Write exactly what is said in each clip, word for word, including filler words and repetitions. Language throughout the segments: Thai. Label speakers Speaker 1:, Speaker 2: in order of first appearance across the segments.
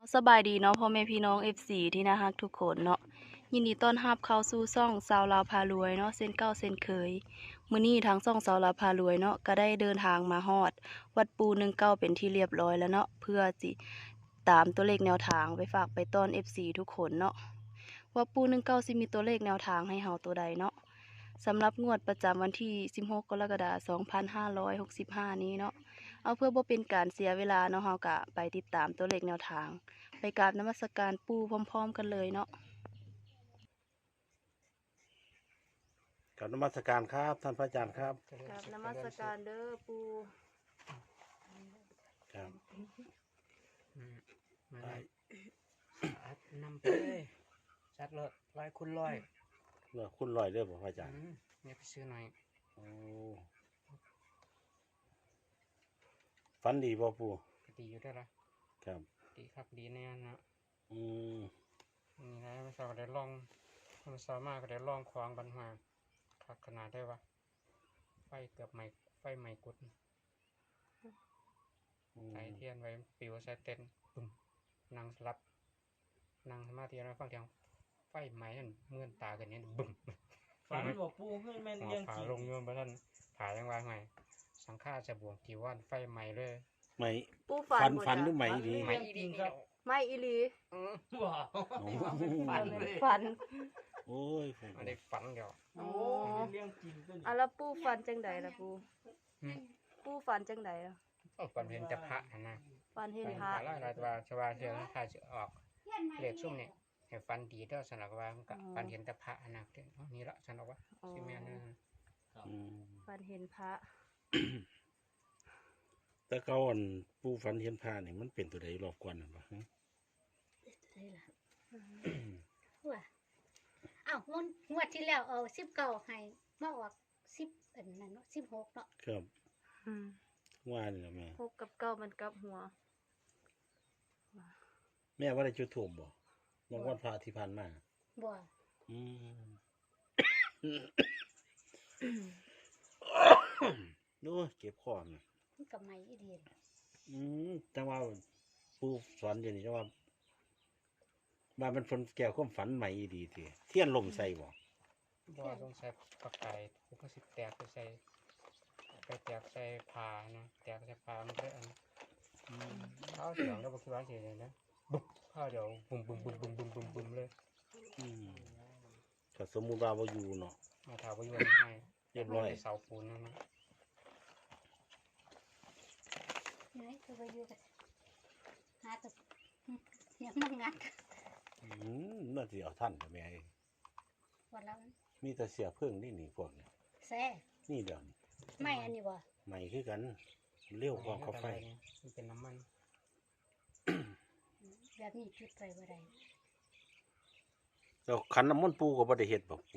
Speaker 1: สบายดีเนาะพ่อแม่พี่น้อง เอฟ ซี ที่น่ารักทุกคนเนาะยินดีต้อนรับเข้าสู่ช่องสาวลาวพารวยเนาะเส้นเก้าเส้นเคยมื้อนี้ทางช่องสาวลาวพารวยเนาะก็ได้เดินทางมาฮอดวัดปูหนึ่งเก้าเป็นที่เรียบร้อยแล้วเนาะเพื่อสิตามตัวเลขแนวทางไปฝากไปต้อน เอฟ ซี ทุกคนเนาะว่าปูหนึ่งเก้าสิมีตัวเลขแนวทางให้เฮาตัวใดเนาะสำหรับงวดประจำวันที่สิบหกกรกฎาคมสองพันห้าร้อยหกสิบห้านี้เนาะเอาเพื่อบ่เป็นการเสียเวลาเนาะเฮาก็ไปติดตามตัวเลขแนวทางไปกราบนมัสการปู่พร้อมๆกันเลยเนาะ
Speaker 2: กับนมัสการครับท่านพระอาจารย์ครับ
Speaker 1: กราบนมัสการเด้อปู่
Speaker 2: ครับ
Speaker 3: อืมมาเลยอัดนำไปเลยชัดเลยร้อยคุณร้อย
Speaker 2: เมื่อคุณลอยเด้อบ่พระอาจารย์
Speaker 3: อืมเนี่ยไปซื้อหน่อย
Speaker 2: โอ้ฝันดีบ่ปู่
Speaker 3: ก็ดีอยู่ได้ละ
Speaker 2: ครับ
Speaker 3: ดีครับดีแน่เนาะ
Speaker 2: อืม
Speaker 3: นี่นะไม่ทราบก็ได้ลองไม่ทราบมากก็ได้ลองควางบันหาขักขนาดได้วะไฟเกือบไหม้ไฟไหม้กุด
Speaker 2: อืม
Speaker 3: ใส่เทียนไว้ปิวใส่เต็นปุ่มนั่งสลับนั่งสมาธิแล้วฟังเสียงไฟไหม้นั่นเมื่อนตากันเนี่ยบึ้ม
Speaker 4: ฝันบอกปูให้แม่น
Speaker 3: หัว
Speaker 4: เลี้ยง
Speaker 3: ผา
Speaker 4: จริง
Speaker 3: ลงโยนไปท่านผายังวางไงสังฆาจะบวงกี่วันไฟไหม้เลย
Speaker 2: ไหม
Speaker 1: ปู่ฝั
Speaker 2: ฝั
Speaker 1: น
Speaker 2: น
Speaker 1: บ่
Speaker 2: ฝันหรื
Speaker 1: จ๊ะ
Speaker 2: อไหมดี
Speaker 3: ไหม้อีดีครับ
Speaker 1: ไม่อีหลี
Speaker 3: อืม
Speaker 4: ว้าวฝันเลย
Speaker 1: ฝัน
Speaker 2: โอ้ยผม
Speaker 3: อันนี้ฝันเดียว
Speaker 4: โอ้เลี้ยงจริงก็
Speaker 1: อ่ะแล้วปู่ฝันจังใดล่ะปู่
Speaker 3: อืม
Speaker 1: ปู่ฝันจังใดล่ะ
Speaker 3: เอาฝันเห็นแต่พระนะนะ
Speaker 1: ฝันเห็น
Speaker 3: ฝัน
Speaker 1: พระ
Speaker 3: พระลายลายตัวชาวาเชื่อถ้าจะออกเลขซุ่มเนี่ยให้ฝันดีเด้อสนักว่ามันก็ฝันเห็นแต่พระนะเด้อนี่ละสนักว่า
Speaker 1: อ๋อ
Speaker 3: สิแม่นนะ
Speaker 2: อืม
Speaker 1: ฝันเห็นพระ
Speaker 2: แต่เก่าอันปู่ฝันเห็นพระนี่มันเป็นตัวใดรอบก่อนน่ะบ่ฮะ
Speaker 5: ได้ล่ะว่าอ้าวงวดงวดที่แล้วเอาสิบเก้าให้มาออกสิบอันนั้นเนาะสิบหกเนาะ
Speaker 2: ครับ
Speaker 1: อืม
Speaker 2: ว่านี่ล่ะแม่
Speaker 1: หกกับเก้ามันกลับหัว
Speaker 2: แม่ว่าได้จุดธูปบ่เมื่อวันพระที่ผ่านมา
Speaker 5: บ่
Speaker 2: อืมโอ้ยเก็บคอแม่
Speaker 5: มันก็ไม่อีดี
Speaker 2: อืมจังว่าผู้สอนอยู่นี่จังว่าว่ามันฝนแก้วความฝันใหม่อีดีทีเทียนลมใส่บ่
Speaker 3: บ่ต้องใส่ปากไก่พวกก็สิแตกไปใส่ไปแตกใส่ผ้านะแตกใส่ผ้ามันก็อันข้าวเสียงแล้วบ่คิดว่าสิเลยนะบึ้มข้าวเดี๋ยวบึ้มบึ้มบึ้มบึ้มบึ้มบึ้มบึ้มเลย
Speaker 2: อืมก็สมมุติว่าบ่อยู่เนาะ
Speaker 3: มาถามว่าอยู่ไม่ให้
Speaker 2: เรียบร้อย
Speaker 3: เสาปูนนั่นนะ
Speaker 5: ไหนคือไปอยู่กันหาแตัวเนี่ยมันงัด
Speaker 2: อืมน่าสิเอาท่านแม่เอ้ย
Speaker 5: วันละ
Speaker 2: มีแต่เสียเพิ่งนี่นี่พวกนี้
Speaker 5: แซ่
Speaker 2: นี่เดี๋ยวนี้
Speaker 5: ไม่อันนี้บ่
Speaker 2: ใหม่คือกันเร็วกว่าเขาไฟ
Speaker 3: มันเป็นน้ำมัน
Speaker 5: แบบนี้จุดไปบ่ได้
Speaker 2: แล้วขันน้ำมนต์ปูก็บ่ได้เฮ็ดบ่ปู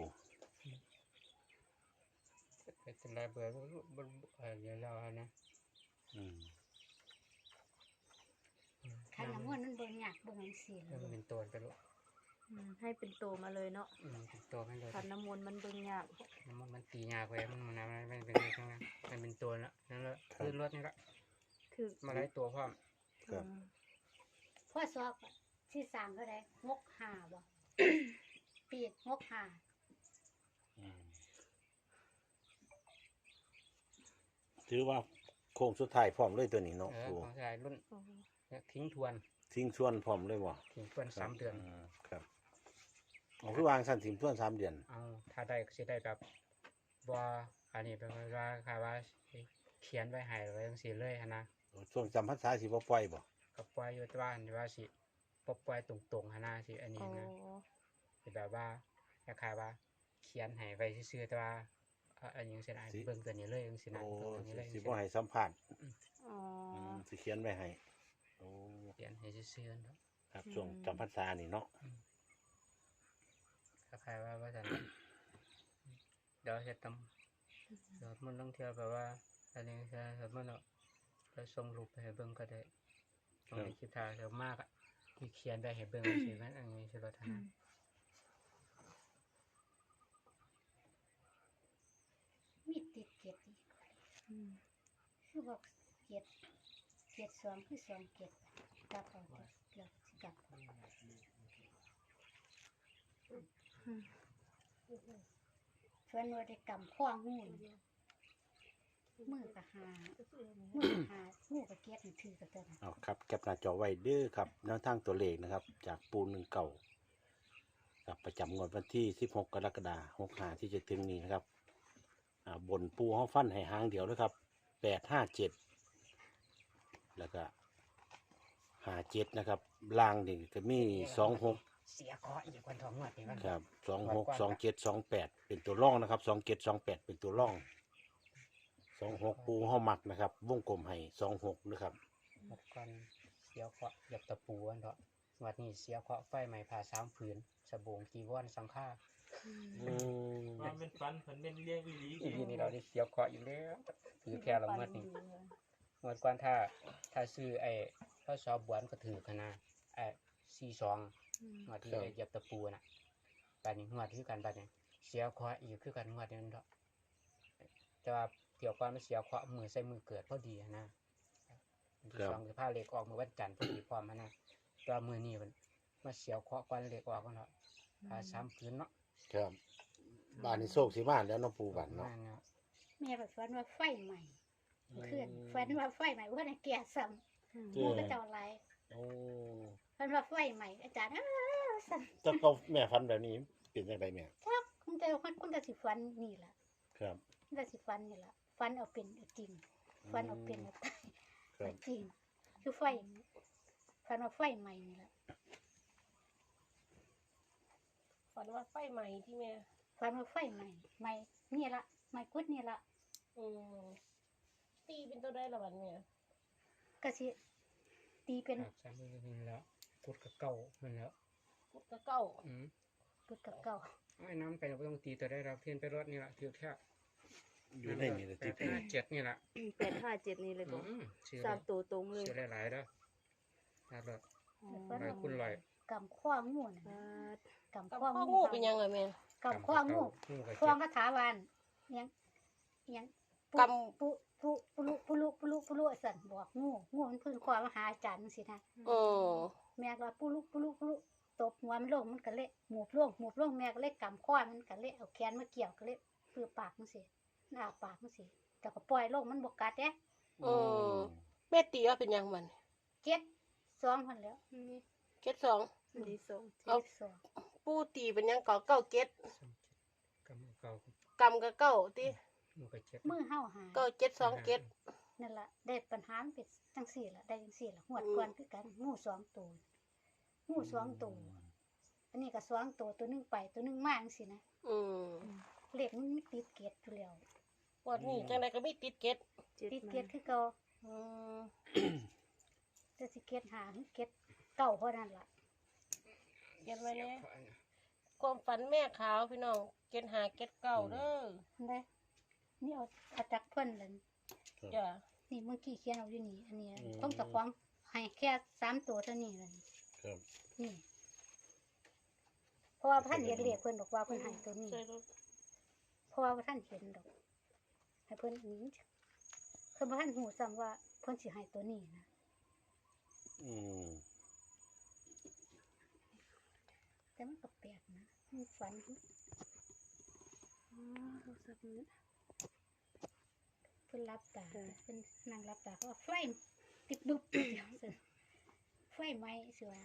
Speaker 3: เป็นไรเบอร์บนเออเดี๋ยวเรานะ
Speaker 2: อืม
Speaker 5: คันน้ำมันมันบ่ยากบ่จังซี่
Speaker 3: แล้วมันเป็นตัวไปลูก
Speaker 1: อืมให้เป็นโตมาเลยเนาะ
Speaker 3: อืมเป็นตัวให้เลย
Speaker 1: ขันน้ำมนต์มันเบิ่งยาก
Speaker 3: น้ำมันมันตียากไปมันมันมันเป็นข้างนั้นมันเป็นตัวละนั่นแหละคือรถนี่ละ
Speaker 1: คือ
Speaker 3: มาได้ตัวพร้อม
Speaker 2: ครับ
Speaker 1: อืม
Speaker 5: พ่อสอบที่สร้างเท่าใดหกห้าบ่ ปีหกห้า
Speaker 2: อืมถือว่าโค้งสุดท้ายพร้อมเลยตัวนี้เนาะ
Speaker 3: เออ
Speaker 2: ปู
Speaker 3: ของชายรุ่น
Speaker 1: โอ้โห
Speaker 3: ทิ้งทวน
Speaker 2: ทิ้งส่วนพร้อมเลยบ่
Speaker 3: ทิ้งทวนสามเดือน
Speaker 2: ครับเอาคือวางสั้นทิ้งส่วนสามเดือน
Speaker 3: เอาถ้าได้ก็สิได้แบบว่าอันนี้เป็นว่าค่ะว่าเขียนไว้ให้ไว้จังซี่เลยนะ
Speaker 2: ช่วงจำพรรษาสิบ่ปล่อยบ่
Speaker 3: กับปล่อยอยู่ที่บ้านว่าสิปปล่อยตรงๆหนาสิอันนี้
Speaker 1: โอ้
Speaker 3: นะสิแบบว่าคล้ายๆว่าเขียนให้ไว้ซื่อๆแต่ว่าอ่ะอันนี้จังซี่นะเบิ่งตัวนี้เลยจังซี่นะ
Speaker 2: โอ้
Speaker 3: เบิ่งตัวนี้เลย
Speaker 2: สิ
Speaker 3: จัง
Speaker 2: บ่
Speaker 3: ซี้
Speaker 2: ให้สัมภาษณ์
Speaker 1: อ๋อ
Speaker 2: อืมสิเขียนไว้ให้โอ้
Speaker 3: เขียนให้ซื่อๆเนาะ
Speaker 2: ครับช่วงจำพรรษานี่เนาะ
Speaker 3: คล้ายๆว่าว่าซั่นเดี๋ยวเฮ็ดตำเดี๋ยวมันต้องเที่ยวแบบว่าอันนี้ใช่ครับมันเนาะแล้วส่งรูปไปให้เบิ่งก็ได้ส่งในคลิปถ่ายเดี๋ยวมากอ่ะที่เขียนได้ให้เบิ่งจังซี่มันอันนี้สิรถนะ
Speaker 5: มีติดเกียรติ
Speaker 1: อืม
Speaker 5: คือบอกเกียรติเกีจ็ดสองคือสองเจ็ดกลับเอาเดี๋ยวสิกลับเพื่อนว่าได้กำข้องูนี่มือกับหามือกับหางูกับเกียดนี่ถือกับเจ้า
Speaker 2: เอาครับแคปหน้าจอไว้เด้อครับแนวทางตัวเลขนะครับ จากปูหนึ่งเก่ากับประจำงวดวันที่สิบหกกรกฎาคมหกห้าที่จะถึงนี้นะครับอ่าบนปูห้องฟันให้หางเดียวนะครับแปดห้าเจ็ดแล้วก็ห้าเจ็ดนะครับล่างนี่จะมีสองหก
Speaker 3: เสียเคราะห์อีกวันทองงวดนี่มัน
Speaker 2: ครับสองหกสองเจ็ดสองแปดเป็นตัวร่องนะครับสองเจ็ดสองแปดเป็นตัวร่องสองหกปูห้องหมักนะครับวงกลมให้สองหกนะครับ
Speaker 3: หมดก่อนเสียเคราะห์เหยียบตะปูอันเถอะงวดนี้เสียเคราะห์ไฟไหม้ผ่าสามผืนสบงจีวรสังฆา
Speaker 2: อืม
Speaker 4: มันเป็นฟันเพิ่นเป็นเลี้ยงอีหลี
Speaker 3: อีพีนี้เราได้เสียเคราะห์อยู่แล้วถือแค่ละงวดนี้งวดก่อนถ้าถ้าซื้อไอ้ข้าวซอบวนก็ถือขนาดไอ้สี่สองงวดที่เหยียบตะปูน่ะบัดนี้งวดคือกันบัดนี้เสียเคราะห์อีกคือกันงวดนี้นั่นเถอะแต่ว่าเที่ยวก่อนมันเสียเคราะห์มือใส่มือเกิดพอดีอะนะวันที่สองคือผ้าเหล็กออกมือวันจันทร์พอดีพร้อมอะนะแตัวามือนี้มันมาเสียเคราะห์ก่อนเหล็กออกกันเนาะผ่าสามผืนเนาะ
Speaker 2: ครับบ้านนี้โชคสีบ้านแล้วเน้องปูบ้านเนาะ
Speaker 3: นั่นเนาะ
Speaker 5: แม่แบบฝันว่าไฟใหม่เพื่อนฝันว่าไฟใหม่เพื่อนให้แก่ซ้ำ
Speaker 2: เจ้
Speaker 5: มูก็เจ้าไร
Speaker 2: โอ้
Speaker 5: ฝันว่าไฟใหม่อาจารย์อ้าวซ้ำ
Speaker 2: เจ้าก็แม่ฟันแบบนี้เป็นยังไงแม่
Speaker 5: ทักคุณแต่คนคุณแต่สิฝันนี่ล่ะ
Speaker 2: ครับ
Speaker 5: คุณแต่สิฝันนี่ล่ะฝันเอาเป็นเอาจริงฝันเอาเป็นเอาตาย
Speaker 2: ครั
Speaker 5: เอา
Speaker 2: บ
Speaker 5: จริงคือไฟฝันว่าไฟใหม่นี่ล่ะ
Speaker 6: ฝันว่าไฟไหม้ที่แม่
Speaker 5: ฝันว่าไฟใหม่ใหม่นี่ละใหม่กุดนี่ละ
Speaker 6: อืมตีเป็นตัวได้ละวันเนี่ย
Speaker 5: ก็สิตีเป็น
Speaker 3: ครับสามมือนี่แล้วพุดกับเก่ามันแล้ว
Speaker 6: พุทธเก้า
Speaker 3: อืม
Speaker 5: กุดกับเก่า
Speaker 3: ไอ้น้ำไปเราไม่ต้องตีตัวได้เราเพียนไปรถนี่แหละเที่ยวแค่
Speaker 2: อยู่ในนี่เลย
Speaker 3: แป
Speaker 2: ที่
Speaker 3: ดห้าเจ็ดนี่แหละ
Speaker 1: แปดห้าเจ็ดนี่เลยบอก
Speaker 3: อืมชื่อ
Speaker 1: สามตัวตรงเลย
Speaker 3: ชื่อหลายๆเด้อนะรถ
Speaker 5: ฝัน
Speaker 3: หลาย
Speaker 5: ว่า
Speaker 3: คุณลอย
Speaker 5: กำข้องูนะ
Speaker 1: บาด
Speaker 5: กำ
Speaker 6: กับ
Speaker 5: ข้อ
Speaker 6: พ่อ
Speaker 5: งู
Speaker 6: งูเป็นยังไงแม่
Speaker 5: กำข้องู
Speaker 3: งูกับ
Speaker 5: พว
Speaker 3: เจ็
Speaker 5: ง
Speaker 3: ด
Speaker 5: คาถาวานยังยังปุ
Speaker 6: ก
Speaker 5: ปุปุปุลุปุลุปุลุปุลุสั่นบอกงูงูมันพึ่งคอมาหาอาจารย์สินะ
Speaker 6: ำอืม
Speaker 5: แม่ก็ว่าปุลุปุลุปุลุตบหัวมันลงมันก็เละหมูบลงหมูบลงแม่ก็เละกำข้อมันก็เละเอาแขนมาเกี่ยวก็เละเปือปากมันสิหน้าปากมันสิแต่ก็ปล่อยลงมันบกกัดเด้
Speaker 6: อืมแม่ตีว่าเป็นยังมัน
Speaker 5: เจ็ดสองคนแล้ว
Speaker 6: เจ็ดสอง
Speaker 1: ดีสอง
Speaker 5: เจ็ดสอง
Speaker 6: ปูตีเป็นยังเก่าเก้าเจ็ด
Speaker 3: กับเก่าก
Speaker 6: ำกับเก้าตี
Speaker 3: งูกับเจ็ด
Speaker 5: มือเห่าหา
Speaker 6: เก้าเจ็ดสองเจ็ด
Speaker 5: นั่นแหละได้ปัญหามันเป็นจังสี่ละได้จังสี่ละหวดก่อนคือกันงูสองตัวงูสองตัวอันนี้ก็สองตัวตัวหนึงไปตัวหนึงมาจังสินะ
Speaker 6: อืม
Speaker 5: เลขมันมีติดเกตอยู่แล้ว
Speaker 6: วันนี้จังไดก็มีติดเจ็ด
Speaker 1: เจ็ด
Speaker 5: ติด
Speaker 1: มา
Speaker 5: เกตคือเก่า
Speaker 6: อืม
Speaker 5: จะสิเกตหาหรือเกตเก่าเพราะนั่นล่ะ
Speaker 6: เก็บไว้เนี่ยความฝันแม่ขาวพี่น้องเก็ดหาเก็ดเก้าเด้อ
Speaker 5: ได้นี่เอาอาจักเพิ่นเลย
Speaker 6: จ้ะ
Speaker 5: นี่เมื่อกี้เขียนเอาอยู่นี่อันนี้ต้องตะควงให้แค่สามตัวเท่านี้เลย
Speaker 2: ครับ
Speaker 5: นี่เพราะว่าท่านเห็นเลขเพิ่นบอกว่าเพิ่นให้ตัวนี้
Speaker 6: ใช่รถ
Speaker 5: เพราะว่าท่านเห็นดอกให้เพิ่นอันนี้เพิ่นบ่ท่านหูซ้ำว่าเพิ่นสิให้ตัวนี้นะ
Speaker 2: อืม
Speaker 5: แต่มันก็แปลกนะมันฝัน
Speaker 1: อ๋อโทรศัพท์นี้
Speaker 5: เพิ่นรับตาเพิ่นนั่งรับตาเขาว่าไฟติดดุบเดียวซั่นไฟไหม้สิว่า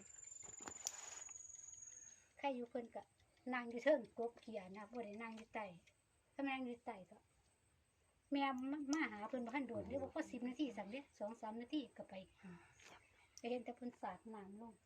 Speaker 5: ใครอยู่เพิ่นก็นั่งอยู่เทิงกบเขียนะบ่ได้นั่งอยู่ใต้ถ้านั่งอยู่ใต้ก็แม่มามาหาเพิ่นบ่ทันโดนเด้บ่พอสิบนาทีสามเด้สองสามนาทีก็ไปไปเห็นแต่เพิ่นสาดน้ำลง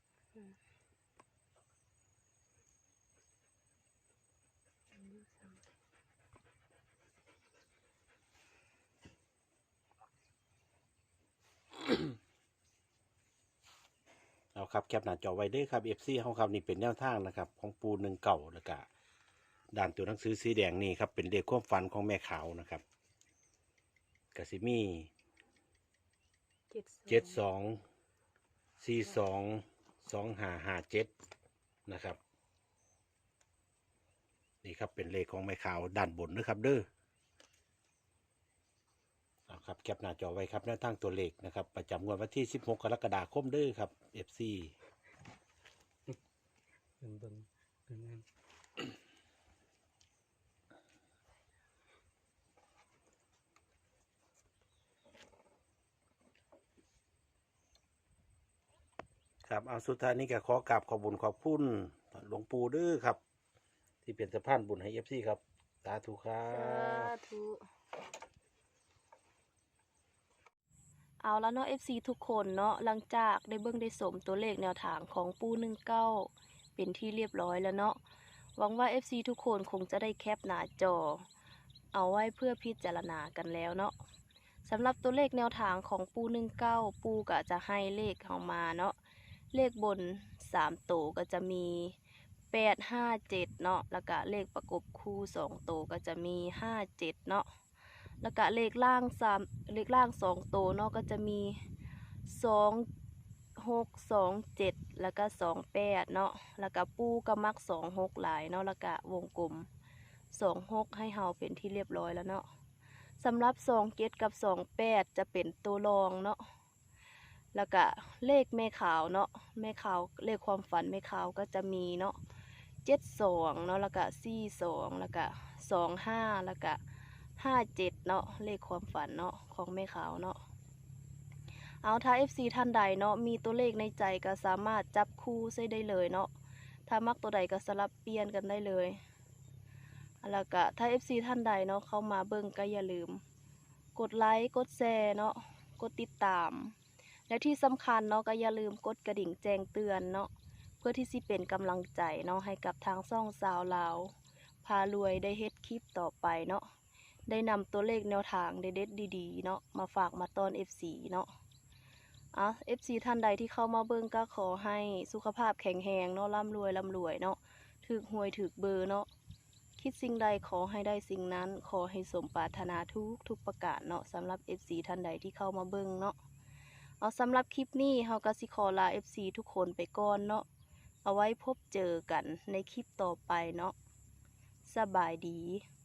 Speaker 2: เอาครับแคปหน้าจอไว้เด้อครับ เอฟ ซี เฮาครับนี่เป็นแนวทางนะครับ ของปูหนึ่งเก่าแล้วก็ด้านตัวหนังสือสีแดงนี่ครับเป็นเลขความฝันของแม่ขาวนะครับกสิมี
Speaker 1: เจ็ด
Speaker 2: เจ็ดสองสี่สองสองห้าห้าเจ็ดนะครับนี่ครับเป็นเลขของแม่ขาวด้านบนนะครับเด้อเอาครับแคปหน้าจอไว้ครับแนวทางตัวเลขนะครับประจำงวดวันที่สิบหกกรกฎาคมเด้อครับ เอฟ ซี
Speaker 3: เบิ่งเบิ่งเบิ่งนั่น
Speaker 2: ครับเอาสุดท้ายนี้ก็ขอกราบขอบบุญขอบคุณหลวงปู่เด้อครับ ที่เป็นสะพานบุญให้ เอฟ ซี ครับสาธุครั
Speaker 1: สา
Speaker 2: บ
Speaker 1: ธุเอาแล้วเนาะ เอฟ ซี ทุกคนเนาะหลังจากได้เบิ่งได้สมตัวเลขแนวทางของปูหนึ่งเก้าเป็นที่เรียบร้อยแล้วเนาะหวังว่า เอฟ ซี ทุกคนคงจะได้แคปหน้าจอ เอาไว้เพื่อพิจารณากันแล้วเนาะสำหรับตัวเลขแนวทางของปูหนึ่งเก้าปูก็จะให้เลขเข้ามาเนาะเลขบนสามตัวก็จะมีแปดห้าเจ็ดเนาะแล้วก็เลขประกบคู่สองตัวก็จะมีห้าเจ็ดเนาะแล้วก็เลขล่างสามเลขล่างสองตัวเนาะก็จะมีสองหกสองเจ็ดแล้วก็สองแปดเนาะแล้วก็ปูก็มักสองหกหลายเนาะแล้วก็วงกลมสองหกให้เฮาเป็นที่เรียบร้อยแล้วเนาะสำหรับสองเจ็ดกับสองแปดจะเป็นตัวรองเนาะแล้วก็เลขแม่ขาวเนาะแม่ขาวเลขความฝันแม่ขาวก็จะมีเนาะเจ็ดสองเนาะแล้วก็สี่สองแล้วก็สองห้าแล้วก็ห้าเจ็ดเนาะเลขความฝันเนาะของแม่ขาวเนาะเอาถ้า เอฟ ซี ท่านใดเนาะมีตัวเลขในใจก็สามารถจับคู่ใส่ได้เลยเนาะถ้ามักตัวใดก็สลับเปลี่ยนกันได้เลยแล้วก็ถ้า เอฟ ซี ท่านใดเนาะเข้ามาเบิ่งก็อย่าลืมกดไลค์กดแชร์เนาะกดติดตามและที่สำคัญเนาะก็อย่าลืมกดกระดิ่งแจ้งเตือนเนาะเพื่อที่สิเป็นกำลังใจเนาะให้กับทางช่องสาวลาวพารวยได้เฮ็ดคลิปต่อไปเนาะได้นำตัวเลขแนวทางเด็ดๆดีๆเนาะมาฝากมาตอน เอฟ ซี เนาะอ่ะ เอฟ ซี ท่านใดที่เข้ามาเบิ่งก็ขอให้สุขภาพแข็งแรงเนาะร่ำรวยร่ำรวยเนาะถึกหวยถึกเบอร์เนาะคิดสิ่งใดขอให้ได้สิ่งนั้นขอให้สมปรารถนาทุกทุกประการเนาะสำหรับ เอฟ ซี ท่านใดที่เข้ามาเบิ่งเนาะเอาสำหรับคลิปนี้เฮาก็สิขอลา เอฟ ซี ทุกคนไปก่อนเนาะเอาไว้พบเจอกันในคลิปต่อไปเนาะสบายดี